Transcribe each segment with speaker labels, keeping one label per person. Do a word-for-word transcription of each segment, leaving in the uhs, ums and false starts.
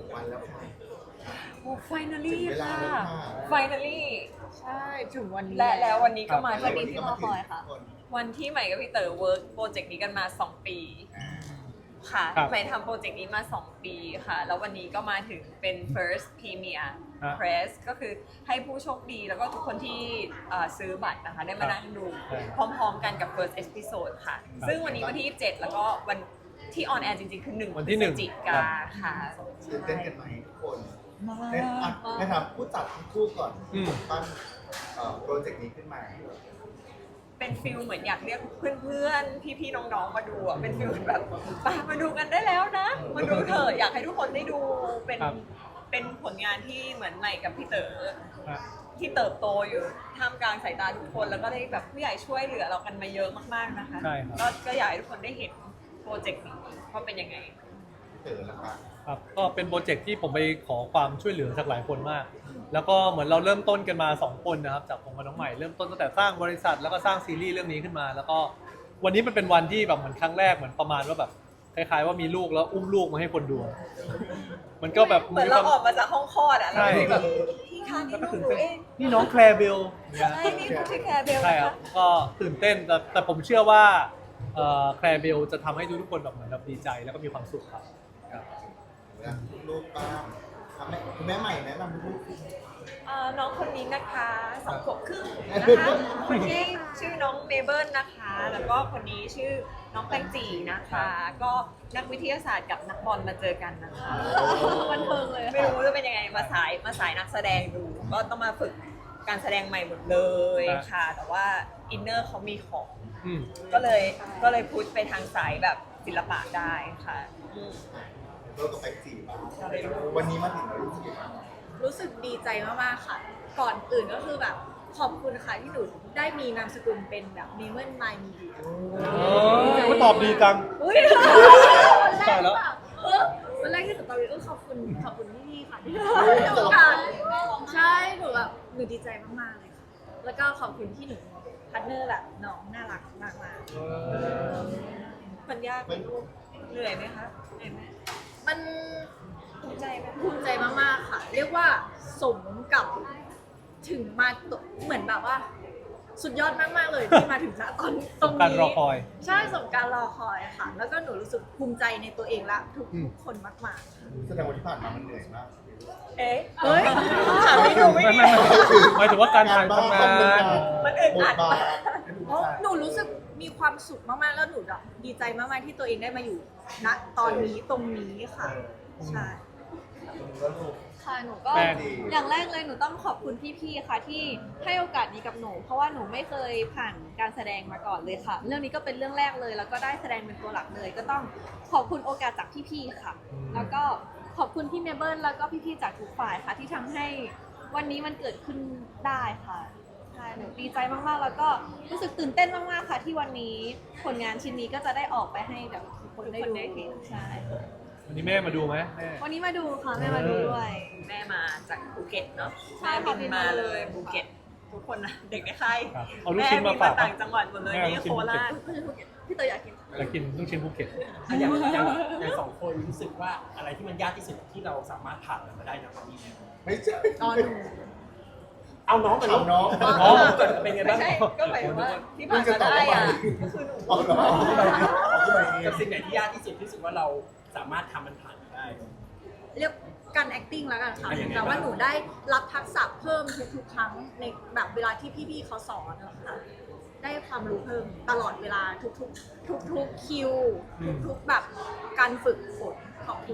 Speaker 1: วันแล้วค่ะ
Speaker 2: โอ้ finally
Speaker 1: ถึงเวลา
Speaker 2: ค่ะ
Speaker 1: แล้วค่ะ
Speaker 2: finally
Speaker 3: ใช่ถึงวันนี้
Speaker 2: และแล้ววันนี้ก็มา
Speaker 3: วัน
Speaker 2: ถึ
Speaker 3: นี้
Speaker 2: ง
Speaker 3: ที่รอคอยค่ะ
Speaker 2: วันที่ใหม่กับพี่เต๋อเวิร์กโปรเจกต์นี้กันมาสองปีค่ะ
Speaker 4: ครับ
Speaker 2: ใหม่ทำโปรเจกต์นี้มาสองปีค่ะ แล้ววันนี้ก็มาถึงเป็น first premier
Speaker 4: ฮะ
Speaker 2: press ก็คือให้ผู้โชคดีแล้วก็ทุกคนที่เอ่อซื้อบัตรนะคะได้มานั่งดู
Speaker 4: ใช่
Speaker 2: พร้อมๆกันกับ first episode ค่ะ ซึ่งวันนี้วันที่ยี่สิบเจ็ดแล้วก็วันที่ออนแอร์จริงๆ คือหนึ่ง
Speaker 4: วันที่หนึ่ง
Speaker 2: พฤศจิกาค่ะ
Speaker 1: ตื่นเต้นกันไหมทุกคน
Speaker 2: มา
Speaker 1: ในอ่ะในถามผู้จัดทั้งคู่ก่อน
Speaker 4: อืม
Speaker 1: ปั้นเอ่อโปรเจกต์นี้ขึ้นมา
Speaker 2: เป็นฟิลเหมือนอยากเรียกเพื่อนๆ พี่ๆ น้องๆ มาดูอ่ะ เป็นฟิลแบบไปมาดูกันได้แล้วนะ มาดูเถอะอยากให้ทุกคนได้ดู เป็น
Speaker 4: ครับ
Speaker 2: เป็นผลงานที่เหมือนใหม่กับพี่เต๋อ
Speaker 4: ฮะ
Speaker 2: ที่เติบโตอยู่ท่ามกลางสายตาทุกคน แล้วก็ได้แบบผู้ใหญ่ช่วยเหลือเรากันมาเยอะมากๆ นะคะ
Speaker 4: ใช่ครับ
Speaker 2: ก็ก็อยากให้ทุกคนได้เห็นโปรเจกต์นี้ว่าเป็นยังไง
Speaker 1: พี่เต๋อละครับ
Speaker 4: ครับก็เป็นโปรเจกต์ที่ผมไปขอความช่วยเหลือจากหลายคนมาก แล้วก็เหมือนเราเริ่มต้นกันมาสองคนนะครับจากผมกับน้องใหม่เริ่มต้นตั้งแต่สร้างบริษัทแล้วก็สร้างซีรีส์เรื่องนี้ขึ้นมา แล้วก็วันนี้มันเป็นวันที่แบบเหมือนครั้งแรกเหมือนประมาณว่าแบบคล้ายๆว่ามีลูกแล้วอุ้มลูกมาให้คนดู มันก็แบบ
Speaker 2: เหมือนเราออกมาจากห้องคลอดอ่ะแล้ว
Speaker 4: ใช่
Speaker 2: ก็แบบพี่คะนี่
Speaker 4: แล้วก็
Speaker 2: ลูก
Speaker 4: ตื่น
Speaker 2: หนู
Speaker 4: เต้น
Speaker 2: เอง
Speaker 4: นี่น้องแคลร์เบลเนี่ย
Speaker 2: ใช่นี่คือชื่อแคร์เบล
Speaker 4: ใช่
Speaker 2: นะ
Speaker 4: ครั
Speaker 2: คะ
Speaker 4: บก็ตื่นเต้นแต่แต่ผมเชื่อว่าเอ่อแคลร์เบลจะทำให้ทุกๆคนแบบเหมือนแบบดีใจแล้วก็มีความสุขครับครับ
Speaker 1: ลูกบ้างอ่ะแม่คุณแม่ใหม่แนะนำลูก
Speaker 2: เอ่อน้องคนนี้นะคะสองขวบครึ่งนะคะคนที่ชื่อน้องเมเบิลนะคะ แล้วก็คนนี้ชื่อน้องแตงจีนะคะ ก็นักวิทยาศาสตร์กับนักบอลมาเจอกันนะคะบันเทิงเลยไม่รู้จะเป็นยังไงมาสายมาสายนักแสดงดู ก็ต้องมาฝึกการแสดงใหม่หมดเลยค่ะ แต่ว่าอินเนอร์เขามีของ
Speaker 4: อืม
Speaker 2: ก็เลยก็เลยพุชไปทางสายแบบศิลปะได้ค่ะอืม
Speaker 1: เราต้องไปจีบบ้างวันนี้มาถึงแล้วรู้สึกยังไงบ้าง
Speaker 3: รู้สึกดีใจมากๆค่ะ ก่อนอื่นก็คือแบบขอบคุณค่ะที่หนูได้มีนามสกุลเป็นแบบเนเมอร์ไมมีเดีย
Speaker 4: โอ้ยตอบดีจัง
Speaker 3: อุ้ยวันแร
Speaker 4: ใช่
Speaker 3: กห
Speaker 4: แล้
Speaker 3: รือ
Speaker 4: ว
Speaker 3: เปล่าเออวันแรกที่หนูตอบเออขอบคุณขอบคุณพี่ๆค่ะที่ให้โอกาสใช่หนูแบบหนูดีใจมากๆเลยค่ะ แล้วก็ขอบคุณที่หนูพาร์ทเนอร์แบบน้องน่ารักมากๆ
Speaker 2: มันยากไหมลูกเหนื่อยไหมคะเหนื่อยไหม
Speaker 3: มัน
Speaker 2: ภูมิใจไหม
Speaker 3: ภูมิใจมากๆค่ะ เรียกว่าสมกับถึงมาตเหมือนแบบว่า สุดยอดมากๆเลยที่มาถึงณตอนตรง
Speaker 4: การ
Speaker 3: นี้
Speaker 4: รอคอย
Speaker 3: ใช่สมการรอคอยค่ะ แล้วก็หนูรู้สึกภูมิใจในตัวเองและทุก
Speaker 4: อืม
Speaker 3: คนมาก
Speaker 1: แสดงวันที่ผ่านมามันเหนื่อยมาก
Speaker 2: เอ๊ะ
Speaker 3: ๆเฮ้ย
Speaker 2: ถามไม่ถูกไม่
Speaker 4: ไม่
Speaker 2: ดี
Speaker 4: ไม่ไม่หมายถึงว่าการถ่ายทำงาน
Speaker 2: มันอึดอัด
Speaker 1: บทบาท
Speaker 3: เพราะหนูรู้สึกมีความสุขมากๆแล้วหนูแบบดีใจมากๆที่ตัวเองได้มาอยู่ณตอนนี้ตรงนี้ค่ะ ใช่
Speaker 1: แล้วลูก
Speaker 5: ค่ะหนูก็
Speaker 4: แม่ดี
Speaker 5: อย่างแรกเลยหนูต้องขอบคุณพี่ๆ ค่ะที่ให้โอกาสนี้กับหนู เพราะว่าหนูไม่เคยผ่านการแสดงมาก่อนเลยค่ะ เรื่องนี้ก็เป็นเรื่องแรกเลย แล้วก็ได้แสดงเป็นตัวหลักเลย ก็ต้องขอบคุณโอกาสจากพี่ๆ ค่ะ แล้วก็ขอบคุณพี่เมเบิลแล้วก็พี่ๆ จากทุกฝ่ายค่ะ ที่ทำให้วันนี้มันเกิดขึ้นได้ค่ะใช่หนูดีใจมากๆ แล้วก็รู้สึกตื่นเต้นมากๆ ค่ะ ที่วันนี้ผลงานชิ้นนี้ก็จะได้ออกไปให้แบบทุกคนได้ดูใช่
Speaker 4: วันนี้แม่มาดูไหมแม่
Speaker 5: วันนี้มาดูค่ะแม่มาดูด้วย
Speaker 2: แม่มาจากภูเก็ตเนาะ
Speaker 5: ใช่
Speaker 2: แม่
Speaker 5: ค่ะ
Speaker 2: บินมาเลยภูเก็ต ทุกคนนะเด็กในค่าย
Speaker 4: ครับเอาลูก
Speaker 2: แม่
Speaker 4: ชิ้น
Speaker 2: บิ
Speaker 4: มาน ฝาก
Speaker 2: ต่างจังหวัดหมดเลย
Speaker 4: แม่
Speaker 2: นี่
Speaker 4: เอาลูกชิ้
Speaker 2: โคน ราช
Speaker 3: พี่เตยอยากกิน
Speaker 4: อยากกินลูกชิ้นภูเก็ต
Speaker 6: อ่ะอย่างอย่างอย่างสองคนรู้สึกว่าอะไรที่มันยากที่สุดที่เราสามารถผ่านมันมาได้นะวันนี้
Speaker 1: ไม่ใช่
Speaker 3: ตอนหนู
Speaker 6: เอาน้องกันลูก
Speaker 1: เอาน้อง
Speaker 6: น้องเกิดเป็นไง
Speaker 2: ไม่
Speaker 6: บ้าง
Speaker 2: ใช่ก็หมายถึงว่าที่ผ่านมาได้อะก็คือหนู
Speaker 1: เอาเหรอเอาขึ้นมาเอง
Speaker 6: กับสิ่งไหนที่ยากที่สุดที่รู้สึกว่าเราสามารถทำมันผ่านมาได้
Speaker 3: เรียกการ acting แล้วกันค่ะ
Speaker 6: อ่ะยังไง
Speaker 3: แต่ว่า
Speaker 6: บ้าง
Speaker 3: หนูได้รับทักษะเพิ่มทุกๆครั้งในแบบเวลาที่พี่ๆเขาสอนนะคะได้ความรู้เพิ่มตลอดเวลาทุกๆ ทุกๆคิว ทุกๆแบบการฝึกฝนขอบคุณ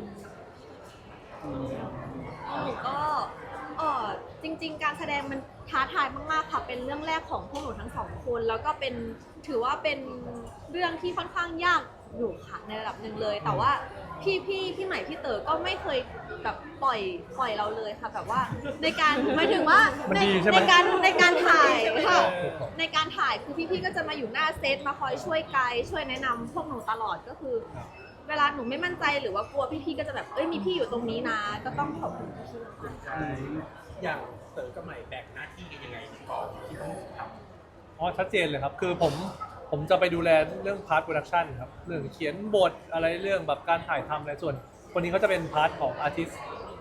Speaker 5: หนูก็เออจริงๆ การแสดงมันท้าทายมากๆ ค่ะ เป็นเรื่องแรกของพวกหนูทั้งสองคน แล้วก็เป็นถือว่าเป็นเรื่องที่ค่อนข้างยากอยู่ค่ะในระดับหนึ่งเลย แต่ว่าพี่พี่พี่ใหม่พี่เต๋อก็ไม่เคยแบบปล่อยปล่อยเราเลยค่ะแบบว่าในการหมายถึงว่า
Speaker 4: มัน
Speaker 5: ใน
Speaker 4: ดีใช่ไหม
Speaker 5: ในการในการถ่ายค่ะในการถ่ายคือพี่ๆ ก็จะมาอยู่หน้าเซตมาคอยช่วยไกด์ช่วยแนะนำพวกหนูตลอดก็คือ
Speaker 4: ครับ
Speaker 5: เวลาหนูไม่มั่นใจหรือว่ากลัวพี่ๆ ก็จะแบบเอ้ยมีพี่อยู่ตรงนี้นะ ก็ต้องขอบคุณพี่ๆมากๆ
Speaker 6: อย่างเต๋อกับใหม่แบ่งหน้าที่กันยังไงก่อนที่ต้องทำ
Speaker 4: อ๋อชัดเจนเลยครับ คือผมผมจะไปดูแลเรื่องพาร์ทโปรดักชันครับเรื่องเขียนบทอะไรเรื่องแบบการถ่ายทำอะไรส่วนคนนี้เขาจะเป็นพาร์ทของอาร์ติสต์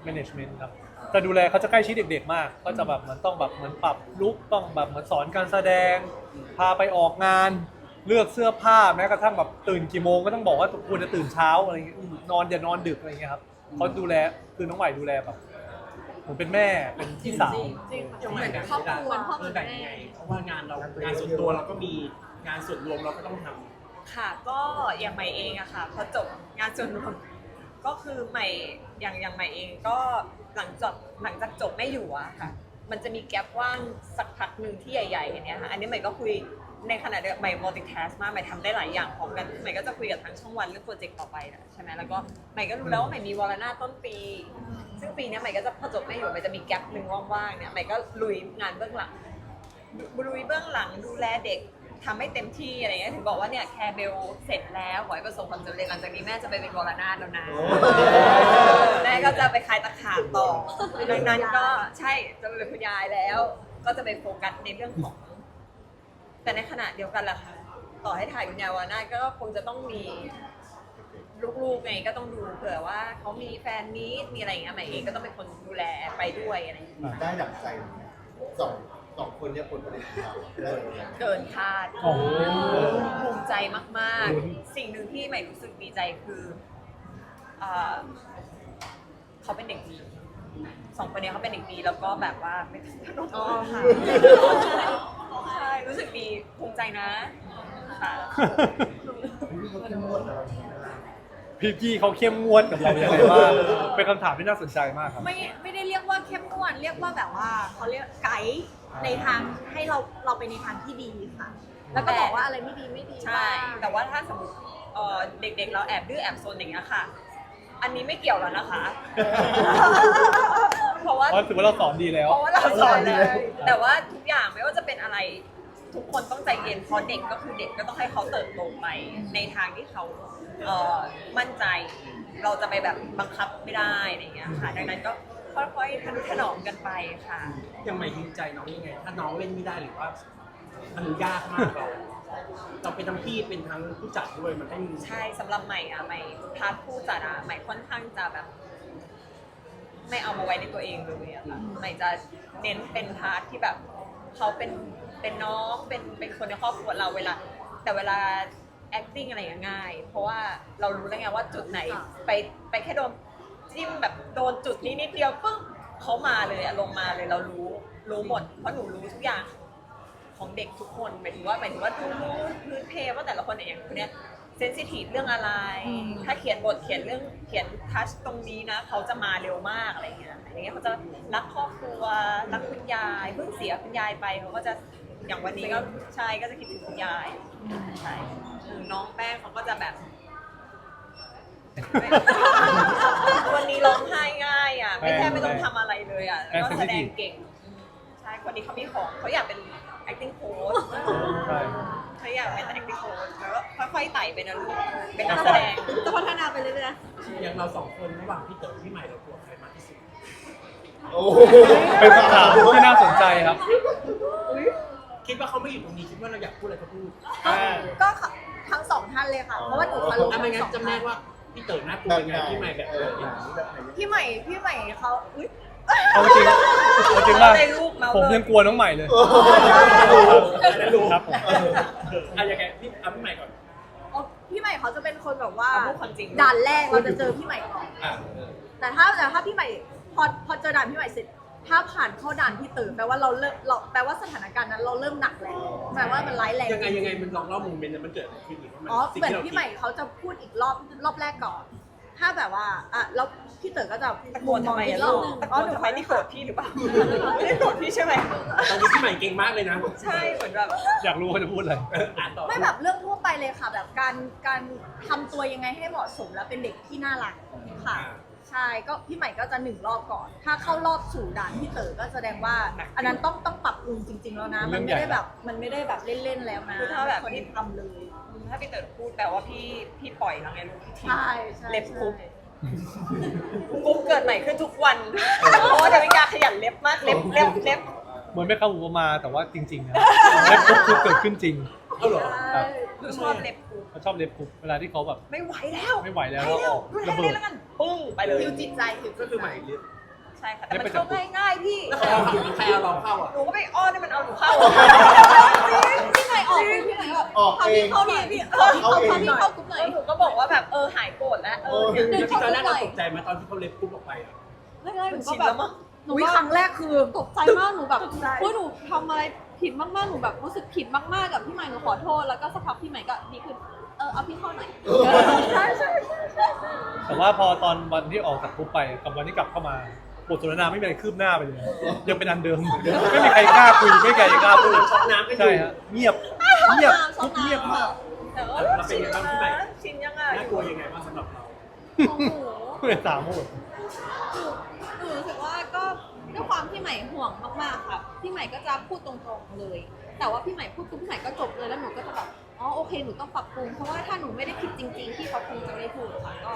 Speaker 4: management ครับจะดูแลเขาจะใกล้ชิดเด็กๆมาก ก็จะแบบเหมือนต้องแบบเหมือนปรับลุคต้องแบบเหมือนสอนการแสดง พาไปออกงานเลือกเสื้อผ้าแม้กระทั่งแบบตื่นกี่โมงก็ต้องบอกว่าควรจะตื่นเช้าอะไรอย่างเงี้ยนอนอย่านอนดึกอะไรอย่างเงี้ยครับเขาดูแลคือน้องใหม่ดูแลแบบผมเป็นแม่เป็นพี่สาว
Speaker 6: ยังไงแบบเวลาเออแบ่งยังไงเพราะว่างานเรางานส่วนตัวเราก็มีงานส่วนรวมเราก็ต้องทำ
Speaker 2: ค่ะก็อย่างใหม่เองอะค่ะพอจบงานส่วนรวมก็คือใหม่อย่างอย่างใหม่เองก็หลังจากหลังจากจบไม่อยู่อะค่ะมันจะมีแกลบว่างสักพักหนึ่งที่ใหญ่ๆอย่างเนี้ยค่ะอันนี้ใหม่ก็คุยในขณะเดียวกันใหม่ multitask มากใหม่ทำได้หลายอย่างพร้อมกันใหม่ก็จะคุยกับทางช่องวันเรื่องโปรเจกต์ต่อไปนะใช่ไหมแล้วก็ใหม่ก็รู้แล้วว่าใหม่มีวอลนาต้นปี ซึ่งปีนี้ใหม่ก็จะพอจบไม่อยู่ใหม่จะมีแกลบหนึ่งว่างๆเนี่ยใหม่ก็ลุยงานเบื้องหลังลุยเบื้องหลังดูแลเด็กทำให้เต็มที่อะไรเงี้ยถึงบอกว่าเนี่ยแคร์เบลเสร็จแล้วขอให้ประสบความสำเร็จหลังจากนี้แม่จะไปเป็นวรนาถแล้วนะแม่ก็จะไปคลายตะขาบต่อดังนั้นก็ใช่จะเป็นคุณยายแล้ว ก็จะไปโฟกัสในเรื่องของแต่ในขณะเดียวกันล่ะค่ะต่อให้ถ่ายคุณยายวรนาถก็คงจะต้องมีลูกๆไงก็ต้องดูเผื่อว่าเขามีแฟนมีตมีอะไรอย่างเงี้ยใหม่เองก็ต้องเป็นคนดูแลไปด้วยอะไรอย่างเงี้ย
Speaker 1: ได้ดั่งใจไหมสองสองคนเนี่ยผลผลิตของเราได้ดั่งใจ
Speaker 2: เกินคาด
Speaker 4: โอ้โห
Speaker 2: ภูมิใจมากๆ สิ่งหนึ่งที่ใหม่รู้สึกดีใจคือเอ่อเขาเป็นเด็กดีสองคนนี้เขาเป็นเด็กดีแล้วก็แบบว่าไม่ต้องอ๋อค่ะใช่รู้สึกดีภูมิใจนะค่ะ
Speaker 1: พี่เขาเข้มงวดกับเราอย่างนี้นะ
Speaker 4: พี่ๆเขาเข้มงวดกับเราอย่างไรบ้างเป็นคำถามที่น่าสนใจมากครับ
Speaker 3: ไม่ไม่ได้เรียกว่าเข้มงวดเรียกว่าแบบว่าเขาเรียกไกด์ในทางให้เราเราไปในทางที่ดีค่ะ แล้วก็บอกว่าอะไรไม่ดีไม่ดี
Speaker 2: ใช่ แต่ว่าถ้าสมมติเอ่อเด็กๆเราแอบดื้อแอบซนอย่างเงี้ยค่ะ อันนี้ไม่เกี่ยวแล้วนะคะ เพราะว่า
Speaker 4: เพราะถือว่าเราสอนดีแล้ว
Speaker 2: เพราะว่าเราสอนเลย แต่ว่าทุกอย่างไม่ว่าจะเป็นอะไร ทุกคนต้องใจเย็นเพราะเด็กก็คือเด็กก็ต้องให้เขาเติบโตไปในทางที่เขาเอ่อมั่นใจ เราจะไปแบบบังคับไม่ได้อะไรอย่างเงี้ยค่ะ ดังนั้นก็ค่อยๆทนุถนอมกันไปค่ะ
Speaker 6: ยังไม่ดีใจน้องยังไง ถ้าน้องเล่นไม่ได้หรือว่ามันยากมากเราเราเป็นทั้งพี่เป็นทั้งผู้จัดด้วยมันต้อง
Speaker 2: ใช่สำหรับใหม่อะใหม่พาร์ทผู้จัดอะใหม่ค่อนข้างจะแบบ ไม่เอามาไว้ในตัวเองเลยอะค่ะใหม่จะเน้นเป็นพาร์ทที่แบบเขาเป็นเป็นน้องเป็นเป็นคนในครอบครัวเราเวลา แต่เวลา acting อะไรอย่างง่าย เพราะว่าเรารู้แล้วไงว่าจุดไหนไปไปแค่โดนจิ้มแบบโดนจุดนี้นิดเดียวปึ๊บเขามาเลยอะลงมาเลยเรารู้รู้หมดเพราะหนูรู้ทุกอย่างของเด็กทุกคนหมายถึงว่าหมายถึงว่ารู้พื้นเพว่าแต่ละคนเนี่ยอย่างคนเนี้ยเซนซิทีฟเรื่องอะไร ถ้าเขียนบทเขียนเรื่องเขียนทัชตรงนี้นะเขาจะมาเร็วมากอะไรอย่างเงี้ยอย่างเงี้ยเขาจะรักครอบครัวรักคุณยายเพิ่งเสียคุณยายไปเขาก็จะอย่างวันนี้ก็ใช่ก็จะคิดถึงคุณยายใช่น้องแป้งเขาก็จะแบบ วันนี้ร้องไห้ง่ายอ่ะไม่แทบไม่ต้องทำอะไรเลยอ่ะแล้วก็แสดงเก่งใช่คนนี้เขามีของเขาอยากเป็น acting coach
Speaker 4: ใช่
Speaker 2: เขาอยากเป็น acting coach แล้วก็ค่อยๆไต่ไปนะลูกเป็นนักแสดง
Speaker 3: จะพัฒนาไปเรื่อย
Speaker 6: อย่างเราสองคนระหว่างพี่เต๋อพี่ใหม่เรากลัวใครมากที่สุด
Speaker 1: โอ้
Speaker 4: เป็นคำถามที่น่าสนใจครับ
Speaker 6: คิดว่าเขาไม่อยู่ตรงนี้คิดว่าเราอยากพูดอะไรก็พูด
Speaker 3: ๆก็ทั้งสองท่านเลยค่ะ เพราะว่าหนูเคารพ
Speaker 6: ถ้า
Speaker 3: ทั้
Speaker 6: ไม่
Speaker 3: ง
Speaker 6: งั้
Speaker 3: ส
Speaker 6: น
Speaker 3: อง
Speaker 6: จำแน
Speaker 3: ท่าน
Speaker 6: กว่าพี่เต๋อน่ากลัว
Speaker 1: แบบ
Speaker 6: ยัง
Speaker 1: ไหน
Speaker 6: ไงพี่ใหม่แบบ
Speaker 1: เอ
Speaker 6: ไห
Speaker 1: อน อย่างนี้แบบไหน
Speaker 3: พี่ใหม่พี่ใหม่เขาอุ๊ย
Speaker 4: เอาจริงเอาจริงว่า
Speaker 2: ในรูปเมาส์
Speaker 4: ผมยังกลัวน้องใหม่เลย
Speaker 6: แล้วรู้
Speaker 4: ครับผม
Speaker 6: อ่ะยังไงพี่เอาพี่ใหม่ก่อน
Speaker 3: อ๋อพี่ใหม่เขาจะเป็นคนแบบว่า
Speaker 2: เอาพูดความจริง
Speaker 3: ด่านแรกเราจะเจอพี่ใหม่ก่อน
Speaker 6: อ่ะ
Speaker 3: แต่ถ้าแต่ถ้าพี่ใหม่พอพอเจอด่านพี่ใหม่เสร็จ ถ้าผ่านเข้าด่านพี่ตื่นแปลว่าเราเริ่มเราแปลว่าสถานการณ์นั้นเราเริ่มหนักแล้วแปลว่ามันร้ายแรง
Speaker 6: ยังไงยังไงมันลองเล่าโมเมนต์นั้นมันเกิดอะไรขึ้นอีกว่ามัน
Speaker 3: อ๋อ
Speaker 6: สิ่ง
Speaker 3: เหมือน
Speaker 6: ที่เรา
Speaker 3: พี่
Speaker 6: คิด
Speaker 3: ใหม่เขาจะพูดอีกรอบรอบแรกก่อน ถ้าแบบว่าอ่ะแล้วพี่เต๋อก็จะ
Speaker 2: ตะโกนทำไม
Speaker 3: อี
Speaker 2: อะ
Speaker 3: กรอ
Speaker 2: ลู
Speaker 3: บ
Speaker 2: ก
Speaker 3: นึง
Speaker 2: ตะโกนทำไมที่โกรธพี่หรือเปล่าไม่ได้โกรธพี่ใช่ไหม
Speaker 6: ตอนนี้พี่ใหม่เก่งมากเลยนะ
Speaker 2: ใช่เหมือนแบบ
Speaker 4: อยากรู้ว่าจะพูดอะไร
Speaker 6: เอออ่านต่อ
Speaker 3: ไม่แบบเรื่องทั่วไปเลยค่ะ แบบการการทำตัวยังไงให้เหมาะสมและเป็นเด็กที่น่ารักค่ะ ใช่ก็พี่ใหม่ก็จะหนึ่งรอบก่อน ถ้าเข้ารอบสู่ด่านพี่เต๋อก็แสดงว่า อันนั้นต้องต้องปรับปรุงจริง ๆ แล้วนะ มันไม่ได้แบบมันไม่ได้แบบเล่นๆแล้วนะ
Speaker 2: คือถ้าแบบ
Speaker 3: คน
Speaker 2: พี่
Speaker 3: ที่ทำเลย
Speaker 2: ถ้าพี่เต๋อพูดแปลว่าพี่พี่ปล่อยแล้วไงลูกพี่ที
Speaker 3: ใช่ใช่
Speaker 2: เล็บคุกกุ๊กเกิดใหม่ขึ้นทุกวันเพราะว่าเดวิกาขยันเล็บมากเล็บเล็บเล็บ
Speaker 4: เหมือนไม่เข้าหูมาแต่ว่าจริงๆนะเล็บคุกคือเกิดขึ้นจริง
Speaker 6: เอาเหรอ
Speaker 3: ใช่
Speaker 2: หนูชอบเล็บคุก
Speaker 4: เขาชอบเล็บกรุ๊ปเวลาที่เขาแบบ
Speaker 2: ไม่ไหวแล้ว
Speaker 4: ไม่ไหวแล้ว
Speaker 2: ไป
Speaker 4: ก็
Speaker 2: เร็
Speaker 4: อ
Speaker 2: ว
Speaker 4: อก
Speaker 2: ดูแล
Speaker 4: ระเบิ
Speaker 2: เล่
Speaker 4: ด
Speaker 2: นแล้วกันปุ้งไปเลย
Speaker 3: หิวจิตใจหิว
Speaker 6: ก็คือใหม่เรียน
Speaker 2: ใช่ค่ะแต่มันเข้าง่ายๆพี่
Speaker 6: แล้วใครเอาใครเอาเราเข้าอ่ะ
Speaker 2: หนูก็ไปอ้อนให้มันเอาหนูเข้า
Speaker 5: พี่ใหม่ออกคือพี่ใหม่แบบ
Speaker 1: ออก
Speaker 5: พา
Speaker 1: เอ
Speaker 5: พี่
Speaker 1: ง
Speaker 5: เข้าหน่อยพี่เออ
Speaker 1: เอาเอง
Speaker 5: พาพี่เข้ากรุ๊ปหน่อย
Speaker 2: แล้วหนูก็บอกว่าแบบเออหายโกรธแล้วเออเนี่ย
Speaker 6: จริงๆตอนแรกเราตกใจไหมตอนที่เขาเล็บปุ๊บออกไปอ่ะ
Speaker 5: แรกๆห
Speaker 2: มั
Speaker 5: นู
Speaker 2: น
Speaker 5: ก็
Speaker 2: ชิน
Speaker 5: แบ
Speaker 2: แล้
Speaker 5: บ
Speaker 2: วมั้ง
Speaker 5: หนู
Speaker 3: อุ๊ย
Speaker 5: ก็
Speaker 3: ครั้งแรกคือ
Speaker 5: ตกใจมากหนูแบบ
Speaker 2: ตกใจ
Speaker 5: เฮ้ยหนูทำอะไรผิดมากๆหนูแบบรู้สึกผิดมากๆกับพี่ใหม่หนูขอโทษแล้วก็สักพักพี่ใหม่ก็ดีขึ้นเออเอาพี่เข้าหน่อย
Speaker 2: ใช่ใช่ใช่ใช่
Speaker 4: แต่ว่าพอตอนวันที่ออกจากกรุ๊ปไปกับวันที่กลับเข้ามาบทสนทนาไม่มีอะไรคืบหน้าไปเลยยังเป็นอันเดิมไม่มีใครกล้าคุยไม่มีใครกล้าพูด
Speaker 6: ช็อกน้ำกันอ
Speaker 4: ใช่
Speaker 6: ยู่
Speaker 4: ฮะเงียบเงียบกรุ๊ปเงียบมาก
Speaker 2: แต่ว่า
Speaker 6: เราเป็น
Speaker 2: ชิน
Speaker 6: ยังไง
Speaker 2: แล้ว
Speaker 6: บ้างพี่ใหม่
Speaker 2: นะชินยังไง
Speaker 6: น่ากลัวยังไงบ้างสำหรับเรา
Speaker 5: ของหนู
Speaker 4: เพื่อนสามหมด
Speaker 5: หนูหนูรู้สึกว่าก็ด้วยความพี่ใหม่ห่วงมากๆค่ะพี่ใหม่ก็จะพูดตรงๆเลย แต่ว่าพี่ใหม่พูดปุ๊บพี่ใหม่ก็จบเลยแล้วหนูก็จะแบบอ๋อโอเคหนูต้องปรับปรุงเพราะว่าถ้าหนูไม่ได้ผิดจริงๆที่เขาคงจะไม่พูดค่ะก็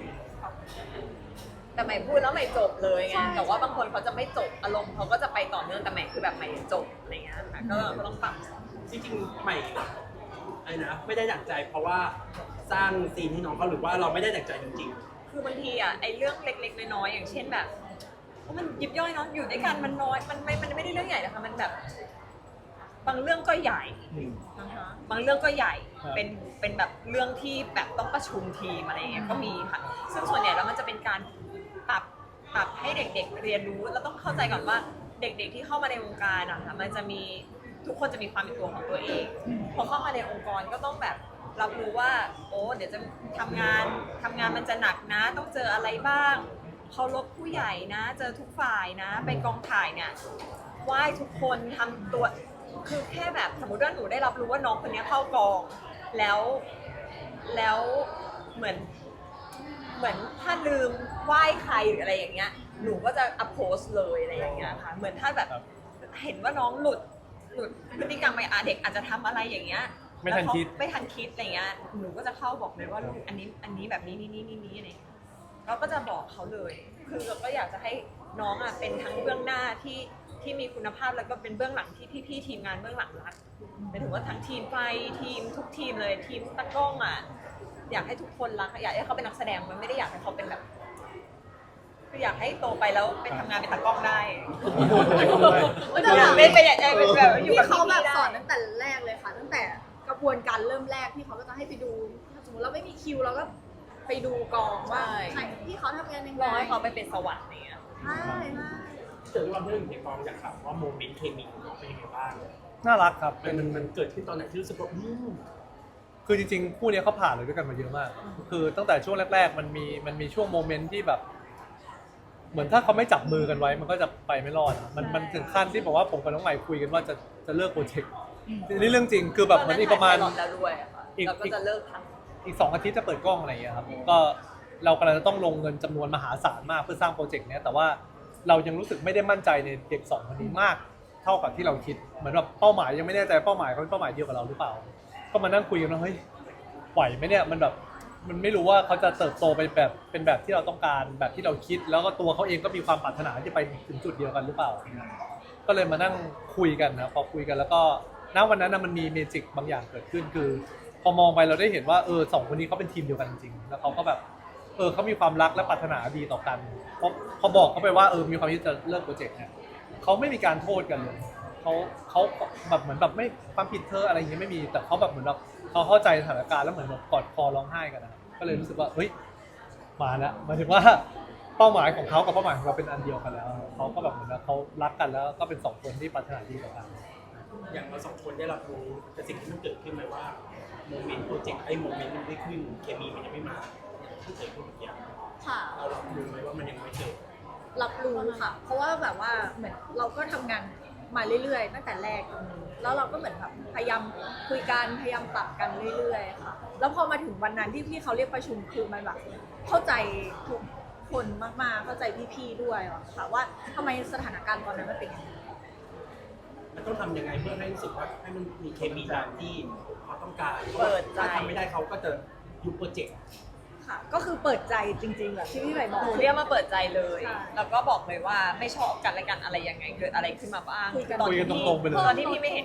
Speaker 2: แต่ใหม่พูดแล้วใหม่จบเลยไง
Speaker 5: ใช่
Speaker 2: แต่ว่าบางคนเขาจะไม่จบอารมณ์เขาก็จะไปต่อเนื่องแต่ใหม่คือแบบใหม่จบอะไรเงี้ยค่ะก็ก็ต้องปรับ
Speaker 6: จริงๆใหม่ไอ้นะไม่ได้ดั่งใจเพราะว่าสร้างซีนให้น้องเขาหรือว่าเราไม่ได้ดั่งใจจริง
Speaker 2: คือบางทีอ่ะไอ้เรื่องเล็กๆน้อยๆอย่างเช่นแบบเพราะมันยิบย่อยเนาะอยู่ด้วยกันมันน้อยมันไม่มันไม่ได้เรื่องใหญ่นะคะมันแบบ บางเรื่องก็ใหญ่
Speaker 6: ๆอืม
Speaker 2: นะคะบางเรื่องก็ใหญ่
Speaker 4: ครับ
Speaker 2: เป็นเป็นแบบเรื่องที่แบบต้องประชุมทีมอะไรเงี้ยก็มีค่ะซึ่งส่วนใหญ่แล้วมันจะเป็นการปรับปรับให้เด็กๆเรียนรู้แล้วต้องเข้าใจก่อนว่าเด็กๆที่เข้ามาในวงการอะค่ะมันจะมีทุกคนจะมีความเป็นตัวของตัวเองพอเข้ามาในองค์กรก็ต้องแบบรับรู้ว่าโอ้เดี๋ยวจะทำงานทำงานมันจะหนักนะ ต้องเจออะไรบ้างเคารพผู้ใหญ่นะ เจอทุกฝ่ายนะไปกองถ่ายเนี่ยไหว้ทุกคนทำตัวคือแค่แบบสมมติว่าหนูได้รับรู้ว่าน้องคนนี้เข้ากองแล้วแล้วเหมือน เหมือนถ้าลืมไหว้ใครหรืออะไรอย่างเงี้ย หนูก็จะอัพโพสเลยอะไรอย่างเงี้ยค่ะ เหมือนถ้าแบบเห็นว่าน้องหลุดหลุดพฤติกรรมไปอ่ะเด็กอาจจะทำอะไรอย่างเงี้ย
Speaker 4: ไม่ทันคิด
Speaker 2: แล้วเขาไม่ทันคิดอะไรเงี้ย หนูก็จะเข้าบอกเลยว่าลูกอันนี้อันนี้แบบนี้นี่นี่นี่นี่อะไรเงี้ยเราก็จะบอกเขาเลย คือเราก็อยากจะให้น้องอ่ะเป็นทั้งเบื้องหน้าที่ที่มีคุณภาพแล้วก็เป็นเบื้องหลังที่พี่ๆทีมงานเบื้องหลังรักหมายถึงว่าทั้งทีมไฟทีมทุกทีมเลยทีมตากล้องอ่ะ อยากให้ทุกคนรักอยากให้เขาเป็นนักแสดงมันไม่ได้อยากให้เขาเป็นแบบคืออยากให้โตไปแล้วไปทำงานเป็นตากล้องได้
Speaker 3: แต่แบบ
Speaker 2: ไม่ไปอยากเป็นแบบอยู่
Speaker 3: ที่
Speaker 2: กับ
Speaker 3: เขาแบบ
Speaker 2: พี่ๆได้
Speaker 3: สอนตั้งแต่แรกเลยค่ะ ตั้งแต่กระบวนการเริ่มแรกที่เขาก็จะให้ไปดูถ้าสมมติเราไม่มีคิวเราก็ไปดูกองว่าใครที่เขาทำงานยังไง
Speaker 2: รอให้เขาไปเป็นสวรรค์เนี่ย
Speaker 3: ใช่ใช่
Speaker 6: เจอความเรื่องอยู่ในกองอยากถามว่าโมเมนต์เคมีของน้องเป็นยังไงบ้าง
Speaker 4: น่ารักครับ
Speaker 6: มั
Speaker 4: เป็น น
Speaker 6: มันมันเกิดขึ้นตอนไหนที่รู้สึกว่าอืม
Speaker 4: คือจริงๆคู่เนี้ยเขาผ่านเลยด้วยกันมาเยอะมาก คือตั้งแต่ช่วงแรก ๆ มันมีมันมีช่วงโมเมนต์ที่แบบ เหมือนถ้าเขาไม่จับมือกันไว้ มันก็จะไปไม่รอดอะมันมันถึงขั้นที่บอกว่าผมกับน้องใหม่คุยกันว่าจะจะเลิกโปรเจกต์นี่เรื่องจริงคือแบบเหมือนอีกประมาณ
Speaker 2: ตอนนั้นถ่ยไพลอตแล้วด้วยอะค่ะ
Speaker 4: อีก
Speaker 2: เราก็จะเลิกท
Speaker 4: อีกสองอาทิตย์จะเปิดกล้องอะไรอย่างเงี้ยครับ ก็เรากำลังจะต้องลงเงินจำนวนมหาศาลมากเพื่อสร้างโปรเจกต์เนี้ยแต่ว่าเรายังรู้สึกไม่ได้มั่นใจในเด็กสองคนนี้มาก เท่ากับที่เราคิด เหมือนแบบเป้าหมายยังไม่แน่ใจเป้าหมายเขาเป็นเป้าหมายเดียวกับเราหรือเปล่า ก็มานั่งคุยกันว่าเฮ้ยไหวไหมเนี่ยมันแบบมันไม่รู้ว่าเขาจะเติบโตไปแบบเป็นแบบที่เราต้องการแบบที่เราคิด แล้วก็ตัวเขาเองก็มีความปรารถนาที่ไปถึงจุดเดียวกันหรือเปล่า ก็เลยมานั่งคุยกันนะพอคุยกันแล้วก็ณวันนั้นนะมันมีเมจิกบางอย่างเกิดขึ้นคือ พอมองไปเราได้เห็นว่าเออสองคนนี้เขาเป็นทีมเดียวกันจริงๆแล้วเขาก็แบบเออเขามีความรักและปรารถนาดีต่อกันเพราะพอบอกเขาไปว่าเออมีความที่จะเลิกโปรเจกต์เนี่ยเขาไม่มีการโทษกันเลยเขาเขาแบบเหมือนแบบไม่ความผิดเธออะไรอย่างเงี้ยไม่มีแต่เขาแบบเหมือนแบบเขาเข้าใจสถานการณ์แล้วเหมือนแบบกอดคอร้องไห้กันนะก็เลยรู้สึกว่าเฮ้ยมาแล้วหมายถึงว่าเป้าหมายของเขากับเป้าหมายของเราเป็นอันเดียวกันแล้วเขาก็แบบเหมือนว่าเขารักกันแล้วก็เป็นสองคนที่ปรารถนาดีต่อกัน
Speaker 6: อย่างเราสองคนได้รับรู้แต่สิ่งที่มันเกิดขึ้นไหมว่าโมเมนต์โปรเจกต์ไอ้โมเมนต์มันไม่ขึ้นเคมีมันยังไม่มาที่เกิดขึ้นเมื่อกี้
Speaker 3: ค่ะ
Speaker 6: เรารับรู้ไหมว่ามันยังไม่เกิด
Speaker 3: รับรู้ค่ะ เพราะว่าแบบว่าเหมือนเราก็ทำงานมาเรื่อยๆตั้งแต่แรกตรงนี้แล้วเราก็เหมือนแบบพยายามคุยกันพยายามปรับกันเรื่อยๆค่ะ แล้วพอมาถึงวันนั้นที่พี่เขาเรียกประชุมคือมันแบบเข้าใจทุกคนมากๆเข้าใจพี่ๆด้วยอะค่ะว่าทำไมสถานการณ์ตอนนั้นมันเป็นอย่างนี้
Speaker 6: มันต้องทำยังไงเพื่อให้รู้สึกว่าให้มันมีเคมีตามที่เขาต้องการ
Speaker 2: เปิดใจ
Speaker 6: ถ้าทำไม่ได้เขาก็จะยุบโปรเจกต์
Speaker 3: ค่ะ ก็คือเปิดใจจริงๆแบบที่พี่ใหม่บอก
Speaker 2: ำหนูเรียกมาเปิดใจเลย
Speaker 3: ใช่
Speaker 2: แล้วก็บอกเลยว่าไม่ชอบกันและกันอะไรยังไงเกิดอะไรขึ้นมาบ้าง
Speaker 3: คุยกัน
Speaker 2: ตอน
Speaker 4: คุย
Speaker 2: ที่
Speaker 4: กันตรงๆไปเลย
Speaker 2: ตอนที่พี่ไม่เห็น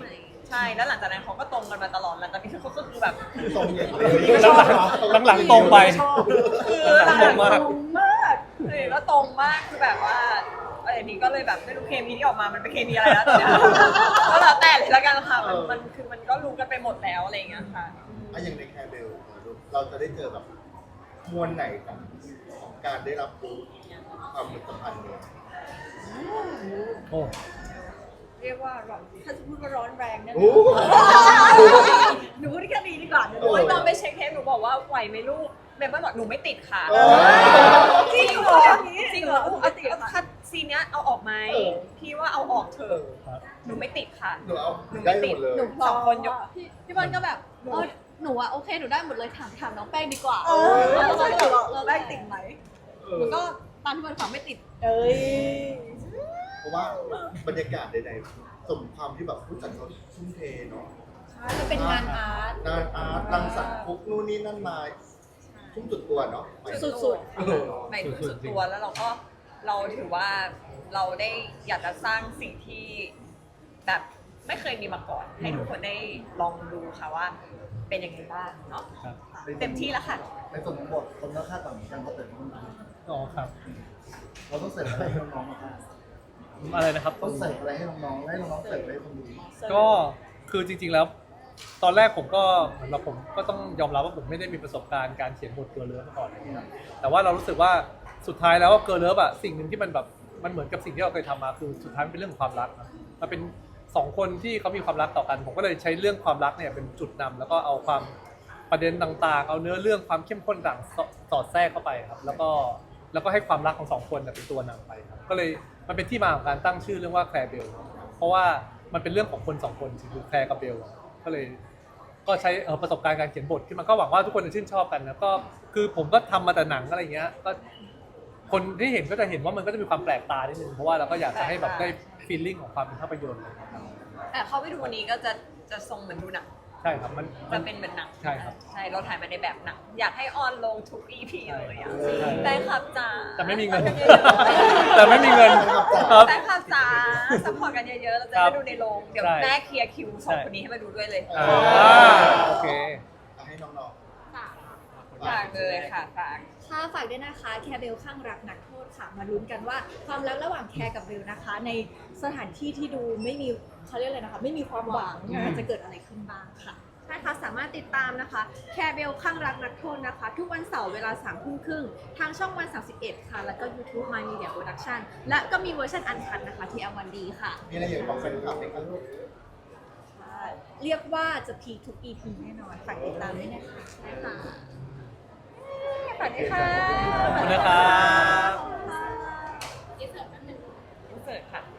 Speaker 2: ใช่แล้วหลังจากนั้นเขาก็ตรงกันมาตลอดหลังจากนี้เขาก็คือแบบ
Speaker 1: คือตรงอย่างเลย
Speaker 4: หลังหลังๆตรงไป
Speaker 2: คือ
Speaker 4: หลังๆตรงมาก
Speaker 2: ตรงมากเลยก็ตรงมากคือแบบว่าอะไรนี้ก็เลยแบบไม่รู้เคมีที่ออกมามันเป็นเคมีอะไรแล้วตอนเนี้ยก็แล้วแต่เลยละกันค่ะมันมันคือมันก็รู้กันไปหมดแล้วอะไรอย่างเงี้ยค่ะ
Speaker 1: อะอย่างในแคร์เบลเราจะได้เจอแบบมวลไหนของของการได้รับรู้ความสัมพันธ์เนี่ย
Speaker 4: โอ้
Speaker 2: เรียกว่าร้อนถ้าจะพูดว่าร้อนแรงเนี่ย
Speaker 1: โอ้
Speaker 2: หนูพูดแค่นี้ดีกว่าหนู
Speaker 1: โอ้
Speaker 2: โอ้ยตอนไปเช็คเทปหนูบอกว่าไหวไหมลูกเมมเบอร์บอกหนูไม่ติดค่ะ
Speaker 1: โอ้
Speaker 2: จริงเหรอจริงเหรอเอาติดคัดซีนเนี้ยเอาออกไหม
Speaker 1: เออ
Speaker 2: พี่ว่าเอาออกเถอะ
Speaker 4: ครับ
Speaker 2: หนูไม่ติดค่ะ
Speaker 1: หนูเอาได้หมดเลย
Speaker 5: หนู
Speaker 2: สองคนยก
Speaker 5: พี่พี่บอลก็แบบเออหนูอะโอเคหนูได้หมดเลยถามถามน้องแป้งดีกว่า
Speaker 2: เออ
Speaker 5: แล้วก็แบบว่าเราได้ติดไหม
Speaker 1: เอ
Speaker 5: หนู
Speaker 1: อ
Speaker 5: ก็ตามที่บอลขอไม่ติด
Speaker 2: เอ้ย
Speaker 1: เพราะว่าบรรยากาศใดๆสมความที่แบบผู้จัดเขาทุ่มเทเนาะ
Speaker 5: มันเป็นงานอาร์ต
Speaker 1: งานอาร์ตรังสรรค์คุกนู่นนี่นั่นมาทุ่มสุดตัวเนาะ
Speaker 5: สุด
Speaker 1: เออ
Speaker 2: หมายถึงสุดตัวแล้วเราก็เราถือว่าเราได้อยากจะสร้างสิ่งที่แบบไม่เคยมีมาก่อน ให้ทุกคนได้ลองดูค่ะว่าเป็นยังไงบ้างเนาะ
Speaker 4: ครับ
Speaker 2: เต็มที่แล้วค่ะ
Speaker 7: ในส่วนของบทคนก็คาดหวังเหมือนกันเพราะเป็นคนไทย
Speaker 4: อ๋อครับ
Speaker 7: เราต้องเสิร์ฟอะไรให้น้องๆบ้าง
Speaker 4: อะไรนะครับ
Speaker 7: ต้องเสิร์ฟอะไรให้น้องๆให้น้องๆเสิร์ฟให้คนดู
Speaker 4: ก็คือจริงๆแล้ว ตอนแรกผมก็เหมือนเราผมก็ต้องยอมรับว่าผมไม่ได้มีประสบการณ์การเขียนบทเกิร์ลเลิฟมาก่อนอะไรอย่างเงี้ยครับแต่ว่าเรารู้สึกว่าสุดท้ายแล้วเกิร์ลเลิฟอะสิ่งหนึ่งที่มันแบบมันเหมือนกับสิ่งที่เราเคยทำมาคือสุดท้ายมันเป็นเรื่องของความรักนะมันเป็นสองคนที่เขามีความรักต่อกัน ผมก็เลยใช้เรื่องความรักเนี่ยเป็นจุดนำแล้วก็เอาความประเด็นต่างๆ เอาเนื้อเรื่องความเข้มข้นต่างสอดแทรกเข้าไปครับแล้วก็แล้วก็ให้ความรักของสองคนเนี่ยเป็นตัวนำไปครับก็เลยมันเป็นที่มาของการตั้งชื่อเรื่องว่าแคร์เบลเพราะว่ามันเป็นเรื่องของคนสองคนคือแคร์กับเบลก็เลย ก็ใช้เอ่อประสบการณ์การเขียนบทที่มันก็หวังว่าทุกคนจะชื่นชอบกันนะก็คือผมก็ทำมาแต่หนังอะไรเงี้ยก็คนที่เห็นก็จะเห็นว่ามันก็จะมีความแปลกตานิดนึงเพราะว่าเราก็อยากจะให้แบบได้ฟีลลิ่งของความเป็นภาพยนตร์อะไรเงี้ยครับ
Speaker 2: แต่เข้าไปดูวันนี้ก็จะจะทรงเหมือนดูหนัง
Speaker 4: ใช่ครับมันมั
Speaker 2: จะ
Speaker 4: น
Speaker 2: เป็นเหมือนหนัง
Speaker 4: ใช่ครับ
Speaker 2: ใช่เราถ่ายมาในแบบหนังอยากให้ออนลงทุก อี พี เลยอ่ะ
Speaker 4: ใช่
Speaker 2: แฟนคลับจ๋า
Speaker 4: แต่ไม่มีเงิน แต่ไม่มีเงินครับ
Speaker 2: แฟนคลับจ๋าซัพพอร์ตกันเยอะๆเราจะ
Speaker 4: ครั
Speaker 2: ได้
Speaker 4: บ
Speaker 2: ดูในโรงเดี๋ยว
Speaker 4: ใช่
Speaker 2: แม่เคลียร์คิวสองคนนี้ให้มาดูด้วยเลย
Speaker 4: อ่าโอเค
Speaker 1: เอาให้น้องๆ
Speaker 2: ฝากเลยค่ะฝาก
Speaker 5: ค่ะฝากด้วยนะคะแคร์เบลข้างรักนักโทษค่ะมาลุ้นกันว่าความรักระหว่างแคร์กับเบลนะคะ ในสถานที่ที่ดูไม่มีเขาเรียกอะไรนะคะไม่มีความหวัง
Speaker 4: อืม
Speaker 5: จะเกิดอะไรขึ้นบ้างค่ะใช่ค่ะสามารถติดตามนะคะแคร์เบลข้างรักนักโทษนะคะ ทุกวันเสาร์เวลาสามทุ่มครึ่งทางช่องวันสามสิบเอ็ดค่ะ แล้วก็ YouTube My Media Production และก็มีเวอร์ชันอันคัดนะคะที่อวันดีค่ะ
Speaker 1: มีอะไรอยากบอกแฟนคลับไหมครับลูก
Speaker 5: เรียกว่าจะพีคทุก อี พี แน่นอนฝากติดตามด้วยนะคะนะคะ
Speaker 2: ฝากด้วยค่ะ
Speaker 4: ขอบคุณนะครับ
Speaker 2: อินเสิร์ตค่ะ